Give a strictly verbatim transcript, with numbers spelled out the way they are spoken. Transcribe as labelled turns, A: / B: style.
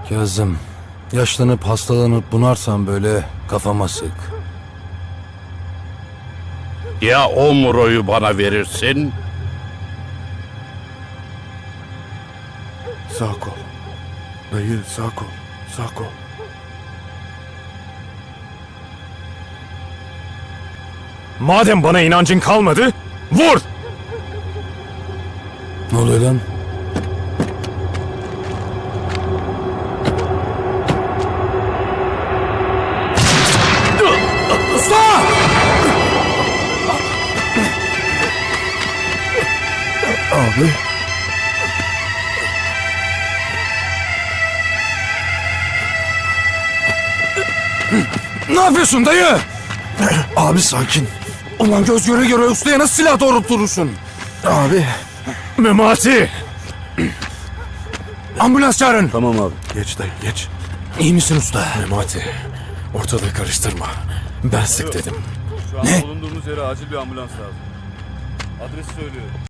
A: Kazım, yaşlanıp hastalanıp bunarsan böyle kafama sık.
B: Ya o Muro'yu bana verirsin?
C: Sağ kol. Dayı sağ kol. Sağ kol.
D: Madem bana inancın kalmadı, vur!
A: Ne oluyor lan? Usta!
C: Abi.
A: Ne yapıyorsun dayı?
C: Abi sakin.
A: Ulan göz göre göre ustaya nasıl silah doğrulturursun?
C: Abi.
D: Memati!
A: Ambulans çağırın.
C: Tamam abi. Geç dayı geç.
A: İyi misin usta?
D: Memati, ortalığı karıştırma. Ben sık dedim.
E: Şu an
A: Ne?
E: bulunduğumuz yere acil bir ambulans lazım. Adresi söylüyorum.